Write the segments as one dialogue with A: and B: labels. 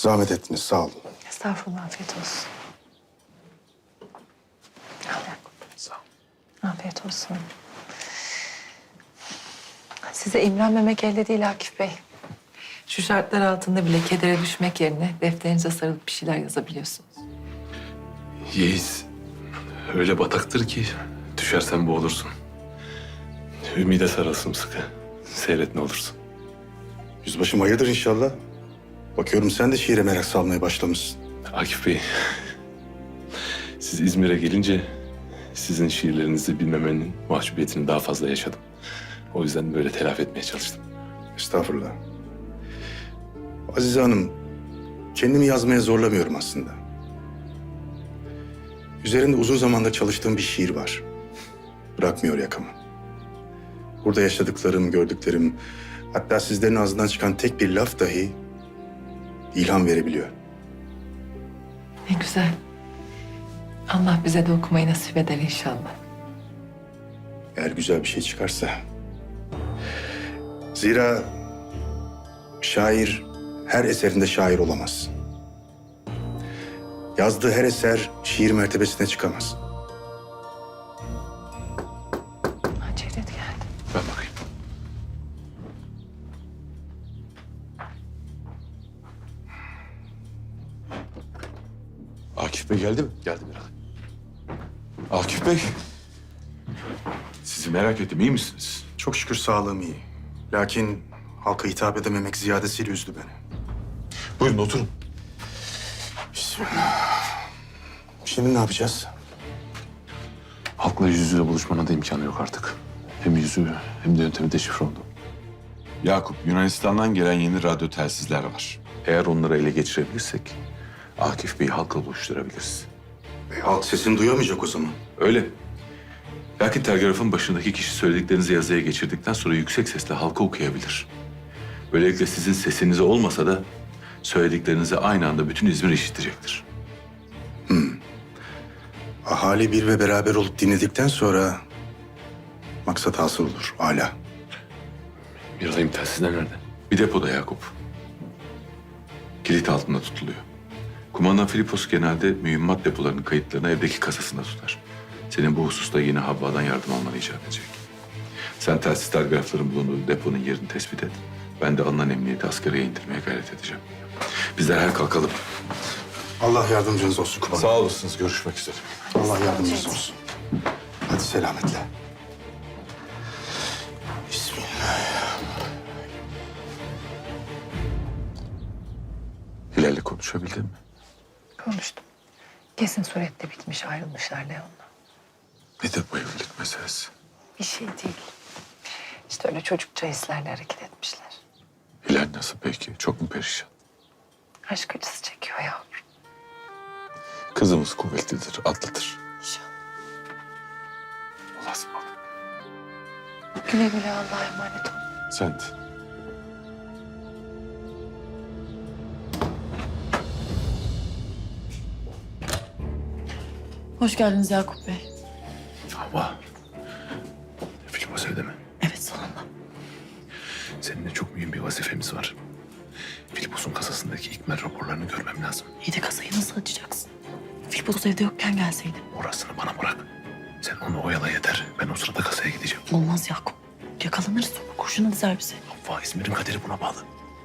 A: Zahmet ettiniz, sağ olun.
B: Estağfurullah, afiyet olsun. Al Yakup.
A: Sağ olun.
B: Afiyet olsun. Size imrenmemek elde değil Akif Bey. Şu şartlar altında bile kedere düşmek yerine defterinize sarılıp bir şeyler yazabiliyorsunuz.
C: Yeğiz öyle bataktır ki düşersen boğulursun. Ümide sarılsın sıkı. Seyret ne olursun.
A: Yüzbaşım hayırdır inşallah. Bakıyorum sen de şiire merak salmaya başlamışsın.
C: Akif Bey, siz İzmir'e gelince sizin şiirlerinizi bilmemenin mahcubiyetini daha fazla yaşadım. O yüzden böyle telafi etmeye çalıştım.
A: Estağfurullah. Azize Hanım, kendimi yazmaya zorlamıyorum aslında. Üzerinde uzun zamanda çalıştığım bir şiir var. Bırakmıyor yakamı. Burada yaşadıklarım, gördüklerim, hatta sizlerin ağzından çıkan tek bir laf dahi ilham verebiliyor.
B: Ne güzel. Allah bize de okumayı nasip eder inşallah.
A: Eğer güzel bir şey çıkarsa. Zira şair her eserinde şair olamaz. Yazdığı her eser şiir mertebesine çıkamaz.
B: Ha, Cevdet geldi.
C: Ben bakayım.
D: Akif Bey geldi mi?
C: Geldi biraz. Akif Bey, sizi merak ettim. İyi misiniz?
A: Çok şükür sağlığım iyi. Lakin halka hitap edememek ziyadesiyle üzdü beni.
D: Buyurun oturun.
A: Bismillah. Şimdi ne yapacağız?
C: Halkla yüz yüze buluşmanın da imkanı yok artık. Hem yüzü hem de yöntemi deşifre oldu.
D: Yakup, Yunanistan'dan gelen yeni radyo telsizler var.
C: Eğer onları ele geçirebilirsek Akif Bey'i halkla buluşturabiliriz.
A: Halk sesini duyamayacak o zaman.
C: Öyle. Lakin telgrafın başındaki kişi söylediklerinizi yazıya geçirdikten sonra yüksek sesle halka okuyabilir. Böylelikle sizin sesinize olmasa da söylediklerinizi aynı anda bütün İzmir işitecektir.
A: Ahali bir ve beraber olup dinledikten sonra maksat hasıl olur. Âlâ.
C: Miray'ım telsizler nerede? Bir depoda Yakup. Kilit altında tutuluyor. Kumandan Filipos genelde mühimmat depolarının kayıtlarını evdeki kasasında tutar. Senin bu hususta yine Havva'dan yardım almanı icap edecek. Sen telsiz telgrafların bulunduğu deponun yerini tespit et. Ben de alınan emniyeti askereye indirmeye gayret edeceğim. Biz derhal kalkalım.
A: Allah yardımcınız olsun kumandan.
D: Sağ olasınız, görüşmek üzere.
A: Allah yardımcınız olsun. Hadi selametle. Bismillah.
C: Hilal'le konuşabildin mi?
B: Konuştum. Kesin surette bitmiş, ayrılmışlar Leon'la.
C: Nedir bu evlilik meselesi?
B: Bir şey değil. İşte öyle çocukça hislerle hareket etmişler.
C: Hilal nasıl peki? Çok mu perişan?
B: Aşk acısı çekiyor yavrum.
C: Kızımız kuvvetlidir, atlıdır.
B: İnşallah.
C: Allah'a ısmarladık.
B: Güle güle Allah'a emanet ol.
C: Sen de.
E: Hoş geldiniz Yakup Bey.
C: Havva. Filipos evde mi?
E: Evet, sonunda.
C: Seninle çok mühim bir vazifemiz var. Filipos'un kasasındaki ikmal raporlarını görmem lazım.
E: İyi de kasayı nasıl açacaksın? Filipos evde yokken gelseydin.
C: Orasını bana bırak. Sen onu oyala yeter. Ben o sırada kasaya gideceğim.
E: Olmaz Yakup. Yakalanırız sonra kurşuna dizer bizi.
C: Havva, İzmir'in kaderi buna bağlı.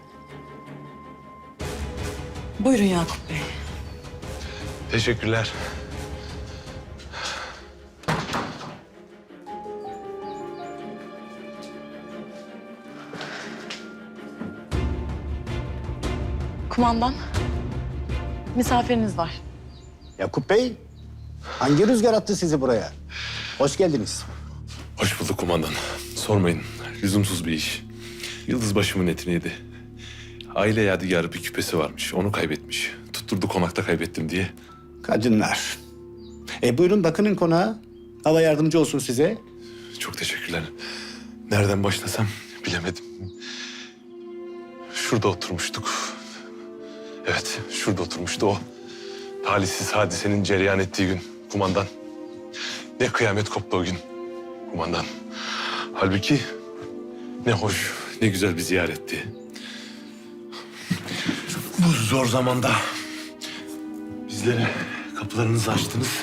E: Buyurun Yakup Bey.
C: Teşekkürler.
E: Kumandan. Misafiriniz var.
F: Yakup Bey, hangi rüzgar attı sizi buraya? Hoş geldiniz.
C: Hoş bulduk kumandan. Sormayın. Lüzumsuz bir iş. Yıldız başımın etini yedi. Aile yadigarı bir küpesi varmış. Onu kaybetmiş. Tutturdu konakta kaybettim diye.
F: Kadınlar. Buyurun bakının konağa. Hava yardımcı olsun size.
C: Çok teşekkürler. Nereden başlasam bilemedim. Şurada oturmuştuk. Evet, şurada oturmuştu o. Talihsiz hadisenin cereyan ettiği gün kumandan. Ne kıyamet koptu o gün kumandan. Halbuki ne hoş, ne güzel bir ziyaretti.
G: Bu zor zamanda bizlere kapılarınızı açtınız.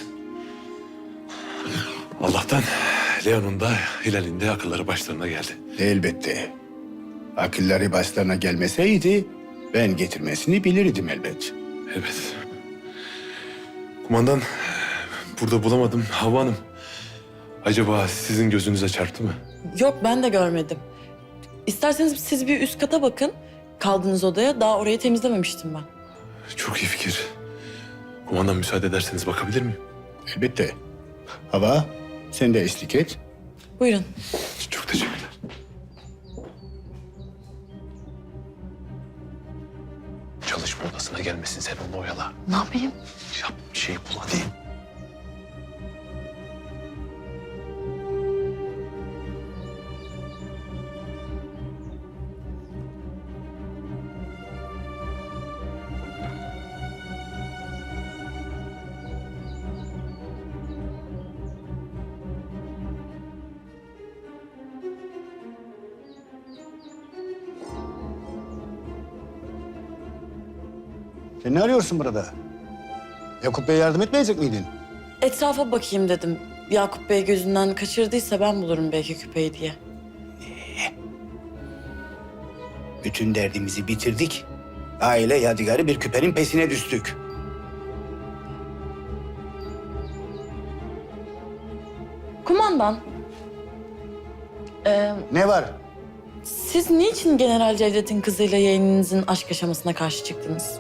G: Allah'tan Leon'un da Hilal'in de akılları başlarına geldi.
F: Elbette. Akılları başlarına gelmeseydi ben getirmesini bilirdim elbet.
G: Evet. Kumandan, burada bulamadım. Havva Hanım, acaba sizin gözünüze çarptı mı?
E: Yok, ben de görmedim. İsterseniz siz bir üst kata bakın. Kaldığınız odaya. Daha orayı temizlememiştim ben.
G: Çok iyi fikir. Kumandan, müsaade ederseniz bakabilir miyim?
F: Elbette. Hava, sen de eşlik et.
E: Buyurun.
G: Çok teşekkürler. Çalışma odasına gelmesin, sen onu oyala.
E: Ne yapayım?
G: Yap bir şey bul hadi.
F: Sen ne arıyorsun burada? Yakup Bey'e yardım etmeyecek miydin?
E: Etrafa bakayım dedim. Yakup Bey gözünden kaçırdıysa ben bulurum belki küpeyi diye.
F: Bütün derdimizi bitirdik. Aile yadigarı bir küpenin pesine düştük.
E: Kumandan,
F: Ne var?
E: siz niçin General Cevdet'in kızıyla yeğeninizin aşk yaşamasına karşı çıktınız?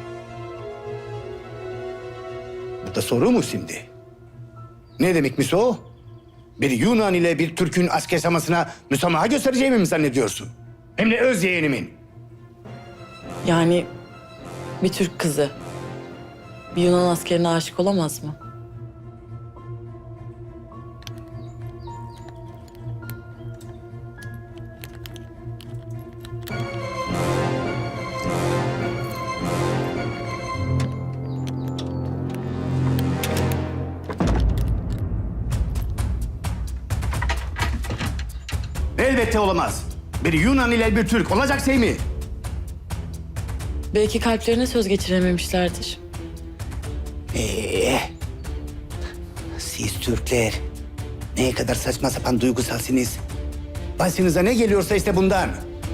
F: Bu da soru mu şimdi? Ne demekmiş o? Bir Yunan ile bir Türk'ün aşk yaşamasına müsamaha göstereceğimi mi zannediyorsun? Hem de öz yeğenimin.
E: Yani bir Türk kızı bir Yunan askerine aşık olamaz mı?
F: Elbette olamaz. Bir Yunan ile bir Türk olacak şey mi?
E: Belki kalplerine söz geçirememişlerdir.
F: Siz Türkler ne kadar saçma sapan duygusalsınız. Başınıza ne geliyorsa işte bundan.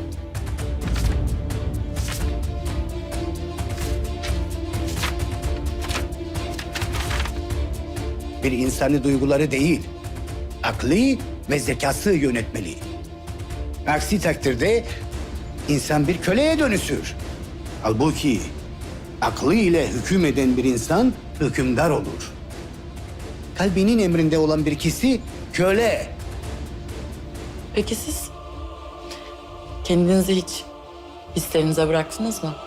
F: Bir insani duyguları değil, aklı ve zekası yönetmeli. Aksi takdirde insan bir köleye dönüşür. Halbuki aklı ile hüküm eden bir insan hükümdar olur. Kalbinin emrinde olan bir kişi köle.
E: Peki siz kendinizi hiç hislerinize bıraktınız mı?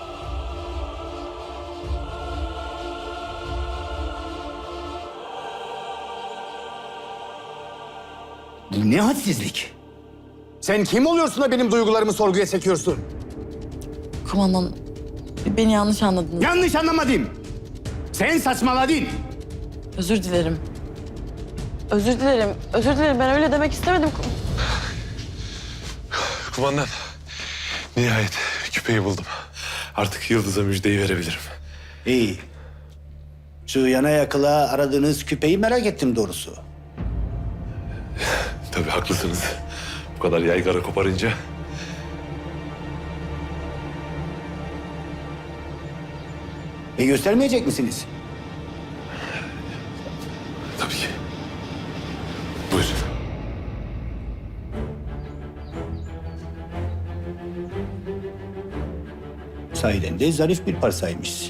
F: Bu ne hadsizlik? Sen kim oluyorsun da benim duygularımı sorguya çekiyorsun?
E: Kumandan, beni yanlış anladınız.
F: Yanlış anlamadım. Sen saçmaladın.
E: Özür dilerim. Özür dilerim. Özür dilerim. Ben öyle demek istemedim.
G: Kumandan, nihayet küpeyi buldum. Artık Yıldız'a müjdeyi verebilirim.
F: İyi. Şu yana yakıla aradığınız küpeyi merak ettim doğrusu.
G: Tabii haklısınız. Bu kadar yaygara koparınca.
F: Göstermeyecek misiniz?
G: Tabii ki. Buyur.
F: Sahiden de zarif bir parsaymış.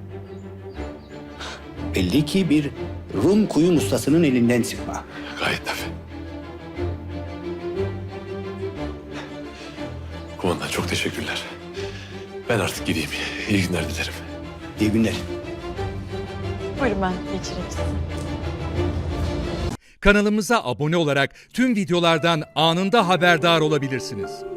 F: Belli ki bir Rum kuyum ustasının elinden çıkma.
G: Gayet tabii. Kumandan, çok teşekkürler. Ben artık gideyim. İyi günler dilerim.
F: İyi günler.
E: Buyurun, ben geçireyim sizi.
H: Kanalımıza abone olarak tüm videolardan anında haberdar olabilirsiniz.